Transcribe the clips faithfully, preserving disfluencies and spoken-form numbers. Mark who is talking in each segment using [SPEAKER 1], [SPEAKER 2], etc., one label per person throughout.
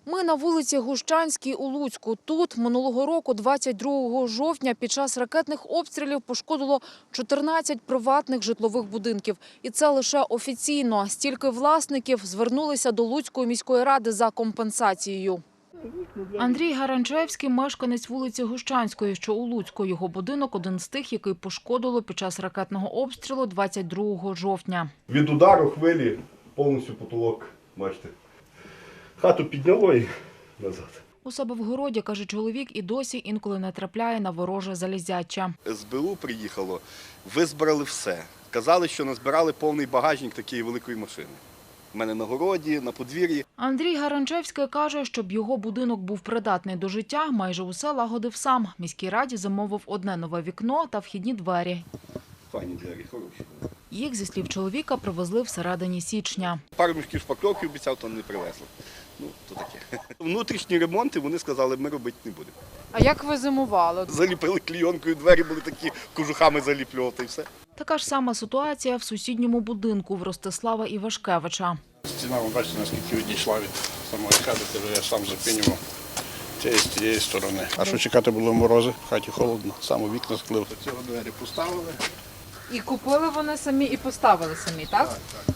[SPEAKER 1] Ми на вулиці Гущанській у Луцьку. Тут минулого року, двадцять другого жовтня, під час ракетних обстрілів пошкодило чотирнадцять приватних житлових будинків. І це лише офіційно. Стільки власників звернулися до Луцької міської ради за компенсацією. Андрій Гаранчевський – мешканець вулиці Гущанської, що у Луцьку. Його будинок – один з тих, який пошкодило під час ракетного обстрілу двадцять другого жовтня.
[SPEAKER 2] Від удару хвилі повністю потолок, бачите. Хату підняло і назад.
[SPEAKER 1] У себе в городі, каже чоловік, і досі інколи натрапляє на вороже залізяча.
[SPEAKER 3] ес бе у приїхало, визбирали все. Казали, що назбирали повний багажник такої великої машини. У мене на городі, на подвір'ї.
[SPEAKER 1] Андрій Гаранчевський каже, щоб його будинок був придатний до життя, майже усе лагодив сам. Міській раді замовив одне нове вікно та вхідні двері.
[SPEAKER 3] Файні двері, хороші.
[SPEAKER 1] Їх, зі слів чоловіка, привезли всередині січня.
[SPEAKER 3] Пару мішків шпакльовки обіцяв, то не привезли. Ну, то таке. Внутрішні ремонти, вони сказали, ми робити не будемо.
[SPEAKER 1] А як ви зимували?
[SPEAKER 3] Заліпили клійонкою, двері були такі, кожухами заліплювати і все.
[SPEAKER 1] Така ж сама ситуація в сусідньому будинку в Ростислава Івашкевича.
[SPEAKER 4] Стіна, ви бачите, наскільки відійшла від самої хати, то я сам запінював цієї, з тієї сторони. А що чекати було морози, в хаті холодно, сам у вікна склив. Ці двері поставили.
[SPEAKER 1] І купили вони самі, і поставили самі, так?
[SPEAKER 4] Так, так.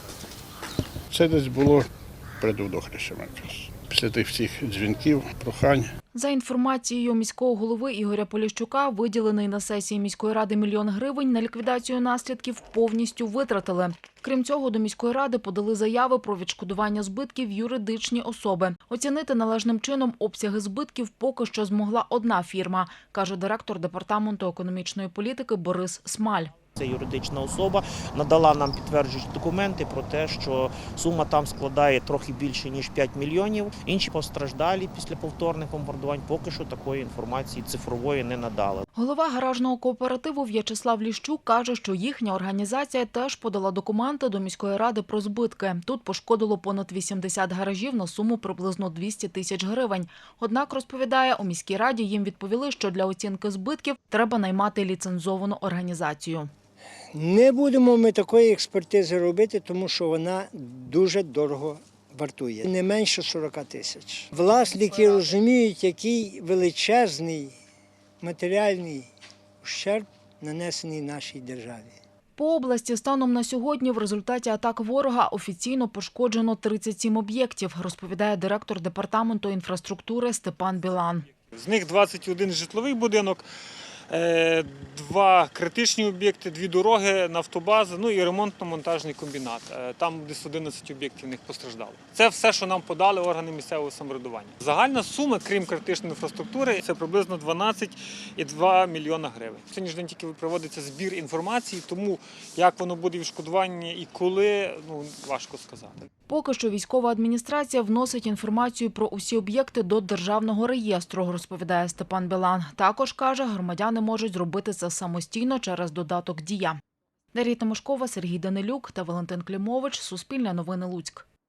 [SPEAKER 4] Це десь було перед водохрещем якраз. Після тих всіх дзвінків, прохань.
[SPEAKER 1] За інформацією міського голови Ігоря Поліщука, виділений на сесії міської ради мільйон гривень на ліквідацію наслідків повністю витратили. Крім цього, до міської ради подали заяви про відшкодування збитків юридичні особи. Оцінити належним чином обсяги збитків поки що змогла одна фірма, каже директор департаменту економічної політики Борис Смаль.
[SPEAKER 5] Це юридична особа надала нам підтверджуючі документи про те, що сума там складає трохи більше, ніж п'ять мільйонів. Інші постраждалі після повторних бомбардувань поки що такої інформації цифрової не надали.
[SPEAKER 1] Голова гаражного кооперативу В'ячеслав Ліщук каже, що їхня організація теж подала документи до міської ради про збитки. Тут пошкодило понад вісімдесят гаражів на суму приблизно двісті тисяч гривень. Однак, розповідає, у міській раді їм відповіли, що для оцінки збитків треба наймати ліцензовану організацію.
[SPEAKER 6] Не будемо ми такої експертизи робити, тому що вона дуже дорого вартує. Не менше сорок тисяч. Власники розуміють, який величезний матеріальний ущерб нанесений нашій державі.
[SPEAKER 1] По області станом на сьогодні в результаті атак ворога офіційно пошкоджено тридцять сім об'єктів, розповідає директор департаменту інфраструктури Степан Білан.
[SPEAKER 7] З них двадцять один житловий будинок, два критичні об'єкти, дві дороги, нафтобаза, ну і ремонтно-монтажний комбінат. Там десь одинадцять об'єктів в них постраждало. Це все, що нам подали органи місцевого самоврядування. Загальна сума, крім критичної інфраструктури, це приблизно дванадцять цілих два мільйона гривень. Сьогодні ж день тільки проводиться збір інформації, тому як воно буде відшкодування і коли, ну, важко сказати.
[SPEAKER 1] Поки що військова адміністрація вносить інформацію про усі об'єкти до державного реєстру, розповідає Степан Білан. Також, каже, громадяни можуть зробити це самостійно через додаток «Дія». Дар'я Тимошкова, Сергій Данилюк та Валентин Клімович. Суспільне новини Луцьк.